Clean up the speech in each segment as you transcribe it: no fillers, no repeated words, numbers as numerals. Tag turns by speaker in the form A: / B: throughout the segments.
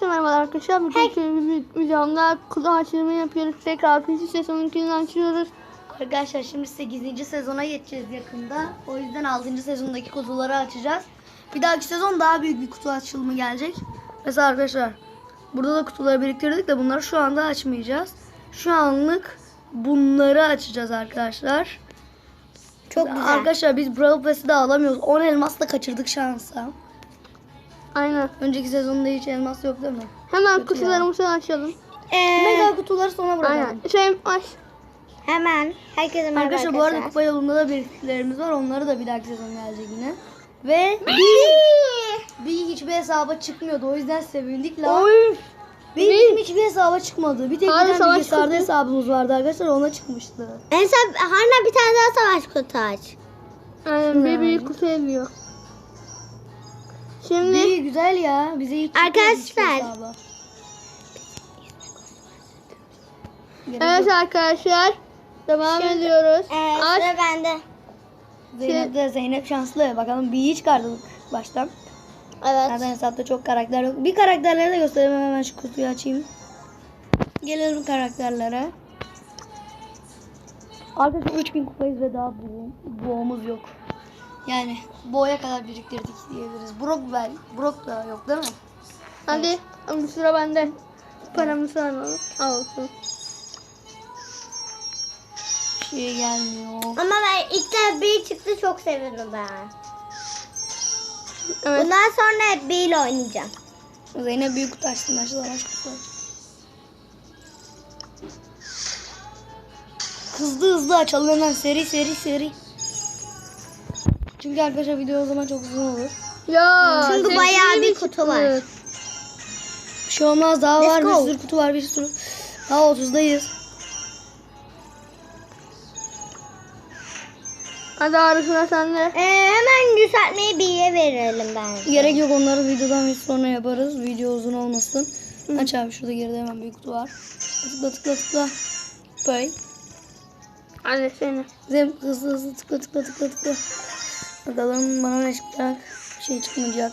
A: Herkese merhabalar arkadaşlar. Bugün videomda kutu açılımı yapıyoruz. Tekrar PC sezonunu açıyoruz.
B: Arkadaşlar şimdi 8. sezona geçeceğiz yakında. O yüzden 6. sezondaki kutuları açacağız. Bir dahaki sezon daha büyük bir kutu açılımı gelecek. Mesela arkadaşlar burada da kutuları biriktirdik de bunları şu anda açmayacağız. Şu anlık bunları açacağız arkadaşlar.
C: Çok güzel.
B: Arkadaşlar biz Brawl Pass'i de alamıyoruz. 10 elmas da kaçırdık şansa.
A: Aynen.
B: Önceki sezonda hiç elmas yok değil mi?
A: Hemen
B: Kötü
A: kutularımızı açalım.
B: Mega kutuları sona bırakalım.
A: Aynen. Şey aç.
C: Hemen herkese merhaba
B: Arkadaşlar bu arada kupa yolunda da biriktiklerimiz var. Onları da bir dahaki sezon gelecek yine. Ve bir hiçbir hesaba çıkmıyordu. O yüzden sevindik lan.
A: Oy.
B: Benim hiçbir hesaba çıkmadı. Bir tek
A: Harbi
B: bir tane
A: savaş
B: bilgisayarda
A: kutu.
B: hesabımız vardı arkadaşlar. Ona çıkmıştı.
C: Harna bir tane daha savaş kutu aç.
A: Aynen bir büyük kutu ediyor. Şimdi
B: İyi güzel ya. Bize hiç çıkmadı hiçbir
C: Arkadaşlar.
B: hesaba.
A: evet arkadaşlar devam ediyoruz. Aç.
C: Sıra bende.
B: Zeynep şanslı. Bakalım bir çıkardık baştan.
C: Evet.
B: Zaten hesapta çok karakter yok. Bir karakterleri de göstereyim, hemen şu kutuyu açayım. Gelelim karakterlere. Arkadaşlar 3000 kupayız ve daha boğumuz yok. Yani boğaya kadar biriktirdik diyebiliriz. Brock da yok değil mi?
A: Hadi bir sıra bende. Paramızı alalım. Al olsun.
B: Bir şey gelmiyor.
C: Ama ben ilk de bir çıktı, çok sevindim ben.
A: Evet.
C: Bundan sonra hep bir ile oynayacağım.
B: Zeynep büyük kutu açtım. Ben şu zaman kutu açtım. Hızlı açalım hemen, seri. Çünkü arkadaşlar video o zaman çok uzun olur.
A: Ya.
C: Çünkü
A: zevkli
C: bayağı bir
A: çıktı.
C: kutu var.
B: Bir şey olmaz, daha
C: Let's
B: var,
C: go.
B: bir sürü kutu var, bir sürü. Daha 30'dayız.
A: Hadi arasına sende.
C: Hemen yükseltmeyi bir'e verelim bence.
B: Gerek yok, onları videodan bir sonra yaparız. Video uzun olmasın. Aç abi, şurada geride hemen büyük kutu var. Tıkla. Böyle.
A: Hadi seni.
B: Zeynep hızlı tıkla. Bakalım bana ne çıkacak. Bir şey çıkmayacak.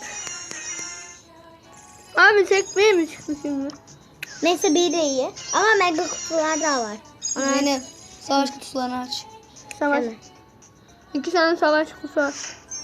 A: Abi tek bir mi çıktı şimdi?
C: Neyse bir de iyi. Ama mega kutular da var.
B: Zeynep savaş kutularını aç.
A: Savaş.
C: Hemen.
A: 2 tane savaş kutusu var.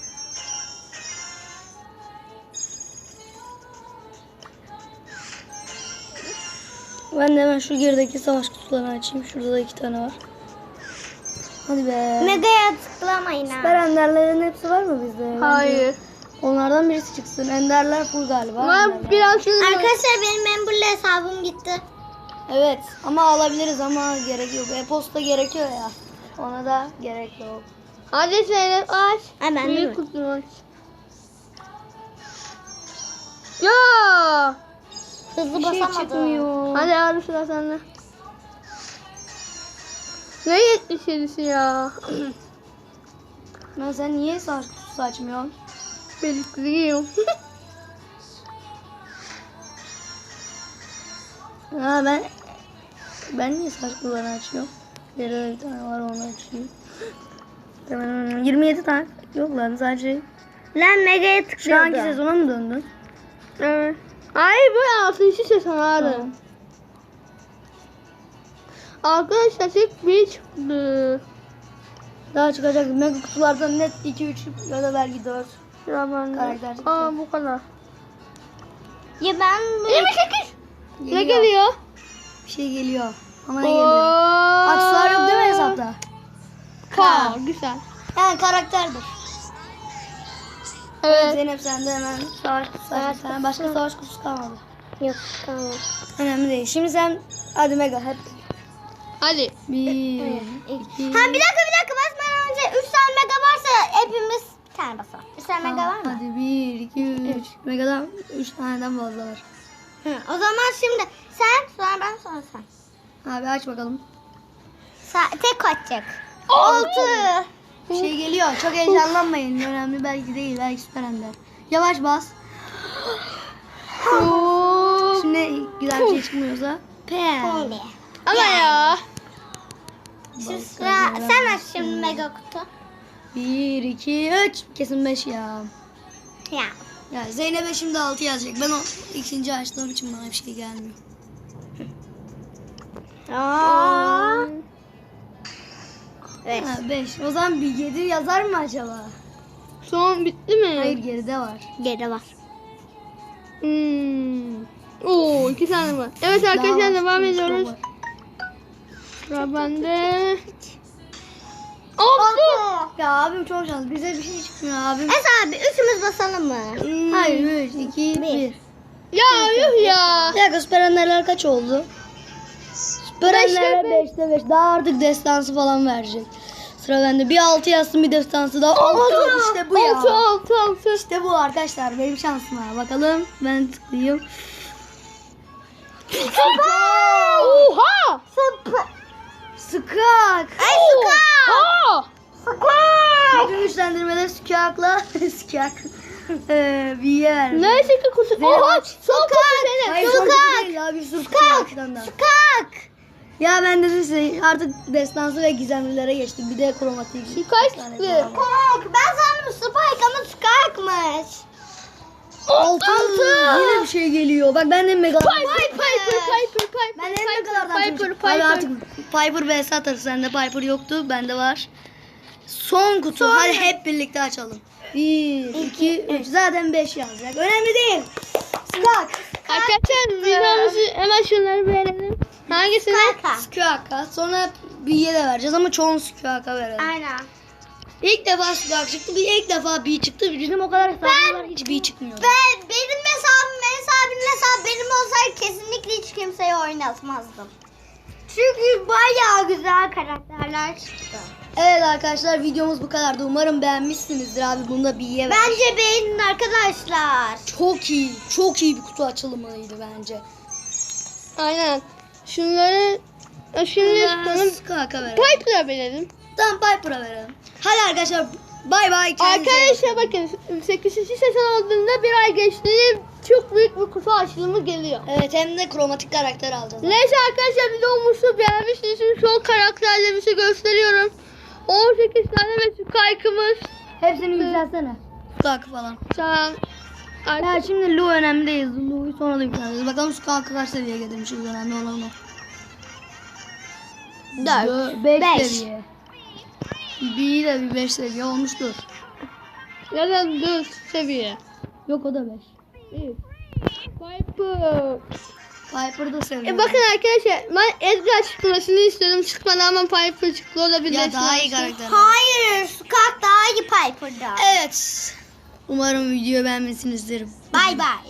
B: Ben de hemen şu gerideki savaş kutularını açayım. Şurada da 2 tane var. Hadi be.
C: Mega'ya tıklamayın
B: Süper
C: ha.
B: enderlerin hepsi var mı bizde? Bence
A: Hayır.
B: onlardan birisi çıksın. Enderler full galiba.
A: Ama
B: Enderler.
A: biraz şöyle.
C: Arkadaşlar benim Member'le hesabım gitti.
B: Evet ama alabiliriz ama gerek yok. E-posta gerekiyor ya. Ona da gerek yok.
A: Hadi Zeynep aç.
C: Hemen
A: Büyük
C: değil mi?
A: kutunu aç. Ya.
C: Hızlı
B: Bir şey
C: basamadım.
B: çıkmıyor.
A: Hadi abi sıra sende. Ne 77'si ya?
B: Ben sen niye savaş kutusu açmıyorsun?
A: Belikliyim.
B: Ha ben niye savaş kutularını açıyorum? Geride bir tane var, onu açayım. Hemen 27 tane yok lan sadece.
C: Lan Mega'ya
B: Şu
C: tıklıyordum.
B: anki sezona mı döndün?
A: Evet. Ay bu 6. sezon abi.
B: Tamam.
A: Arkadaşlar tek bir çıktı.
B: Daha çıkacak mega kutulardan net 2-3 ya da belki 4
A: Sıra bende.
B: karakter çıktı.
A: Aa bu kadar.
C: Ya ben bu...
A: 28. Ne geliyor?
B: Bir şey geliyor. Ama ne geliyor? Aksesuar yok değil mi hesapta?
A: Güzel.
B: Yani karakterdir.
A: Evet.
B: Zeynep sen de hemen savaş kutusu aç. Sen başka savaş kutusu kalmadı.
C: Yok tamam.
B: Önemli değil. Şimdi sen hadi mega hep.
A: Hadi.
B: 1
C: Ha bir dakika basmadan önce 3 tane Mega varsa hepimiz bir tane basalım. 3 tane Mega var mı?
B: Hadi 1 2 3. Mega'dan 3 taneden fazla var.
C: O zaman şimdi sen, sonra ben, sonra sen.
B: Abi aç bakalım.
C: Tek kaçacak. 6.
B: Bir şey geliyor. Çok heyecanlanmayın. Önemli belki değil. Belki süper ender. Yavaş bas. Şimdi güzel bir şey çıkmıyorsa. Pem.
A: Ama ya.
C: Şimdi sıra, sen aç şimdi Mega kutu.
B: 1 2 3. Kesin 5 ya.
C: Ya
B: Yani Zeynep'e şimdi 6 yazacak. Ben o ikinci açtığım için bana bir şey gelmiyor.
C: Aa. Evet.
B: Ha, 5. O zaman bir 7 yazar mı acaba?
A: Son bitti mi?
B: Hayır, geride var.
C: Geri var.
A: Oo, 2 tane var. Evet arkadaşlar
B: Daha
A: devam
B: var.
A: ediyoruz. Sıra bende. 6.
B: Ya abim çok şanslı. Bize bir şey çıkmıyor abim.
C: Esra abi üçümüz basalım mı?
B: Hayır 3, 2, 1.
A: Ya yuh ya.
B: Bir dakika, Süper Ender'ler kaç oldu? Süper Ender'ler 5'te 5. Daha artık destansı falan verecek. Sıra bende. Bir 6 yazsın, bir destansı daha. 6. İşte bu ya.
A: 6.
B: İşte bu arkadaşlar. Benim şansım var. Bakalım. Ben tıklayayım.
A: Oha.
B: Skak.
C: Ay Skak.
A: Aa.
B: Bütün güçlendirmeler Skak'la Skak. Büyüye vermiş.
A: Neyse ki kutu. Oha. Son kutu senin.
B: Hayır, son kutu değil ya. Bir sürü kutu var arkasından da.
C: Skak.
B: Ya ben de size artık destansı ve gizemlilere geçtik. Bir de kromatik.
A: Kaç
B: tane
A: çıktı?
B: daha var.
C: Skak. Ben sandım Spike ama Skak'mış.
B: 6. Yine bir şey geliyor. Bak ben de mega.
A: Piper.
B: Ben de megalardan
A: Piper.
B: Abi artık Piper vs atarız. Sende Piper yoktu. Bende var. Son kutu. Hadi hep birlikte açalım. 1, 2, 3. Zaten 5 yazacak. Önemli değil. Skak.
A: Arkadaşlar videomuzu hemen şunları beğenelim. Hangisini?
B: Skak'a. Sonra B'ye de vereceğiz ama çoğunu Skak'a verelim.
C: Aynen.
B: İlk defa Skak çıktı. İlk defa B çıktı. Bizim o kadar hesabım var. Hiç B çıkmıyor.
C: Benim hesabım, abinin hesabı benim olsaydı kesinlikle hiç kimseye oynatmazdım. Çünkü bayağı güzel karakterler çıktı.
B: Evet arkadaşlar, videomuz bu kadardı. Umarım beğenmişsinizdir abi. Bunu da B'ye ver.
C: Bence beğenin arkadaşlar.
B: Çok iyi. Çok iyi bir kutu açılımıydı bence.
A: Aynen. Şunları şimdi tutalım.
B: Skak'a verelim.
A: Piper'a verelim.
B: Tamam, Piper'a verelim. Hadi arkadaşlar, bay bay. Kendinize iyi
A: Arkadaşlar bakın 8. sezon olduğunda bir ay geçti. Çok büyük bir kutu açılımı geliyor.
B: Evet, hem de kromatik karakter alacağız.
A: Neyse arkadaşlar videomuzu beğenmişsiniz. Şimdi son karakterlerimizi gösteriyorum. 18 tane ve Skype'ımız.
B: Hepsini yükseltsene. Skak falan.
A: Tamam.
B: Ya şimdi Lu önemli değil. Lu'yu sonra da yükselteceğiz. Bakalım Skak'ı kaç seviyeye getirmişiz. Önemli olan o. 5
C: Beş.
B: seviye. B'yi de bir 5 seviye olmuştur.
A: Neden 4 seviye?
B: Yok, o da 5.
A: İyi. Piper.
B: Piper da seviye.
A: Bakın arkadaşlar ben Edgar çıkmasını istedim. Çıkmadı ama Piper çıktı. O da bir
B: Ya daha iyi karakter.
C: Hayır, Skak daha iyi Piper'da.
B: Evet. Umarım videoyu beğenmişsinizdir.
C: Bay bay.